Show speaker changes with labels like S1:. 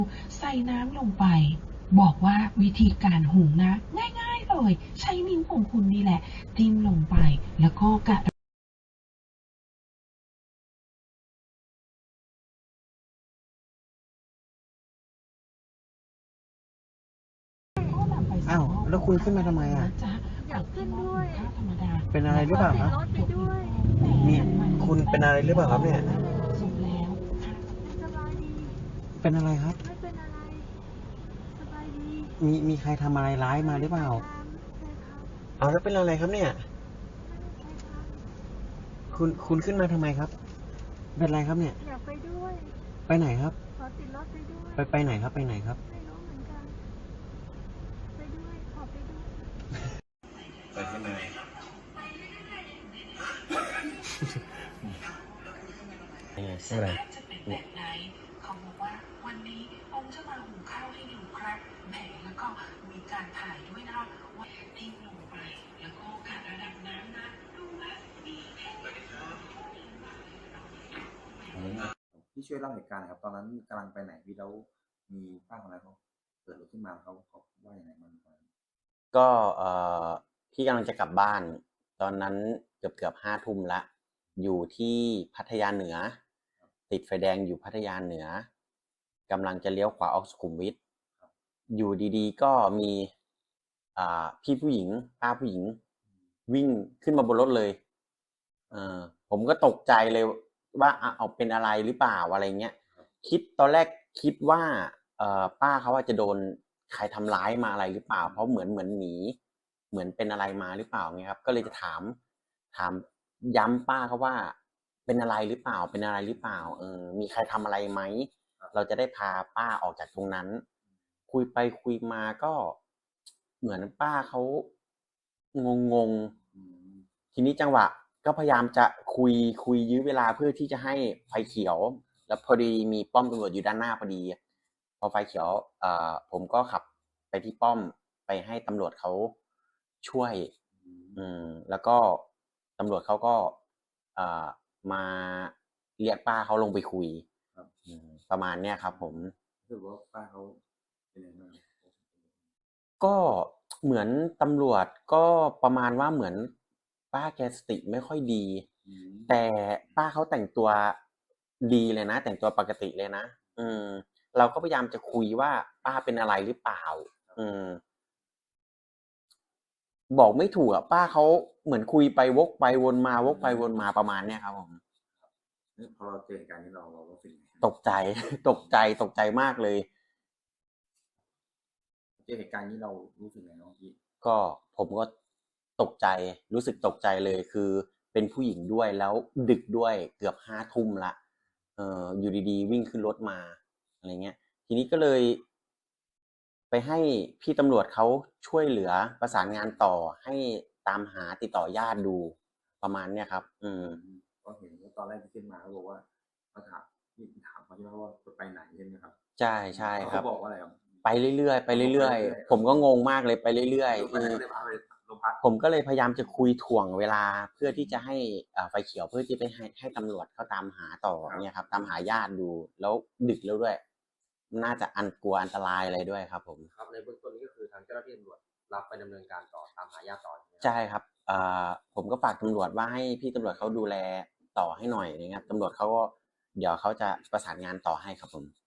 S1: ใส่น้ำลงไปบอกว่าวิธีการหุงนะง่ายๆเลยใช้นิ้วของคุณนี่แหละจิ้มลงไปแล้วก็กะ
S2: อ้าวแล้วคุณขึ้นมาทำไมอ่ะ
S1: จ๊ะ
S3: อยากขึ้นด้วย
S1: ข้าวธรรมดา
S2: เป็นอะไรหรือเปล่าครับ
S3: รถไปด้วย
S2: มีคุณเป็นอะไรหรือเปล่าครับเนี่ย
S1: สุกแล้ว
S3: สบายดี
S2: เป็นอะไรครับ
S3: ไม่เป็นอะไร สบายดี
S2: มีใครทำอะไรร้ายมาหรือเปล่า
S3: ใช่ครับ
S2: เอาแล้วเป็นอะไรครับเนี่ย
S3: ใช่ครับ
S2: คุณขึ้นมาทำไมครับ เป็นอะไรครับเนี่ย
S3: อยากไปด้วย
S2: ไปไหนครับ
S3: ขอติดรถไปด้วย
S2: ไปไหนครับไปไหนครับ
S3: ไม่รู้เหมือนกัน ไปด้วย ขอไปด้วย
S2: ไปที่ไหนอะไร
S1: จะเป็นแบบไหนเขาบอกว่าวันนี้ผมจะมาหุงข้าวให้ดูครับแหมแล้วก็มีการถ่ายด้วยนะว่าทิ้งลงไปแล้วก็กะระดับน้ำนะดูนะมีแค่ไหน
S4: พี่ช่วยเล่าเหตุการณ์หน่อยครับตอนนั้นกำลังไปไหนพี่แล้วมีป้าคนนั้นเขาเกิดรถขึ้นมาเขาว่าอย่างไรบ้างตอนนั้น
S5: ก็พี่กำลังจะกลับบ้าน ตอนนั้นเกือบ5 ทุ่มละอยู่ที่พัทยาเหนือ ติดไฟแดงอยู่พัทยาเหนือกำลังจะเลี้ยวขวาออกสุขุมวิทอยู่ดีๆก็มีพี่ผู้หญิงป้าผู้หญิงวิ่งขึ้นมาบนรถเลยผมก็ตกใจเลยว่าเอาเป็นอะไรหรือเปล่าอะไรเงี้ยตอนแรกคิดว่าป้าเขาว่าจะโดนใครทำร้ายมาอะไรหรือเปล่าเพราะเหมือนหนีเหมือนเป็นอะไรมาหรือเปล่าเงี้ยครับก็เลยจะถามย้ำป้าเขาว่าเป็นอะไรหรือเปล่าเป็นอะไรหรือเปล่ามีใครทำอะไรไหมเราจะได้พาป้าออกจากตรงนั้นคุยไปคุยมาก็เหมือนป้าเขางงทีนี้จังหวะก็พยายามจะคุยยื้อเวลาเพื่อที่จะให้ไฟเขียวแล้วพอดีมีป้อมตำรวจอยู่ด้านหน้าพอดีพอไฟเขียวผมก็ขับไปที่ป้อมไปให้ตำรวจเขาช่วยแล้วก็ตำรวจเขาก็มาเรียกป้าเขาลงไปคุยประมาณเนี้ยครับผม
S4: รู้สึกว่าป้าเขาเป็นยังไงบ้าง
S5: ก็เหมือนตำรวจก็ประมาณว่าเหมือนป้าแกสติไม่ค่อยดีแต่ป้าเขาแต่งตัวดีเลยนะแต่งตัวปกติเลยนะเราก็พยายามจะคุยว่าป้าเป็นอะไรหรือเปล่าบอกไม่ถูกอ่ะป้าเขาเหมือนคุยไปวกไปวนมาวกไปวนมาประมาณเนี้ยครับผม
S4: พอเราเจอเหตุการณ์นี้เรารู้สึกยังไง
S5: ตกใจมากเลย
S4: เจอเหตุการณ์นี้เรารู้สึกยังไงบ้างพี่
S5: ก็ผมก็ตกใจรู้สึกตกใจเลยคือเป็นผู้หญิงด้วยแล้วดึกด้วยเกือบ5 ทุ่มละอยู่ดีๆวิ่งขึ้นรถมาอะไรเงี้ยทีนี้ก็เลยไปให้พี่ตำรวจเขาช่วยเหลือประสานงานต่อให้ตามหาติดต่อญาติดูประมาณเนี้ยครับ
S4: ก็เห็นว่าตอนแรกที่ขึ้นมาเขาบอกว่ามาถามเขาใช่ไหมว่าจะไปไหนใช่ไหมครับ
S5: ใช่ใช่ครับ
S4: เขาบอกว่าอะไรครับ
S5: ไปเรื่อยๆผมก็งงมากเลยไปเรื่อยๆผมก็เลยพยายามจะคุยถ่วงเวลาเพื่อที่จะให้ไฟเขียวเพื่อที่ไปให้ตำรวจเขาตามหาต่อเนี่ยครับตามหาญาติดูแล้วดึกแล้วด้วยน่าจะกลัวอันตรายอะไรด้วยครับผม
S6: ครับในเบื้องต้นนี้ก็คือทางเจ้าหน้าที่ตำรวจรับไปดำเนินการต่อตามหาญาติต่อ
S5: ใช่ครับผมก็ฝากตำรวจว่าให้พี่ตำรวจเขาดูแลต่อให้หน่อยนะครับตำรวจเขาก็เดี๋ยวเขาจะประสานงานต่อให้ครับผม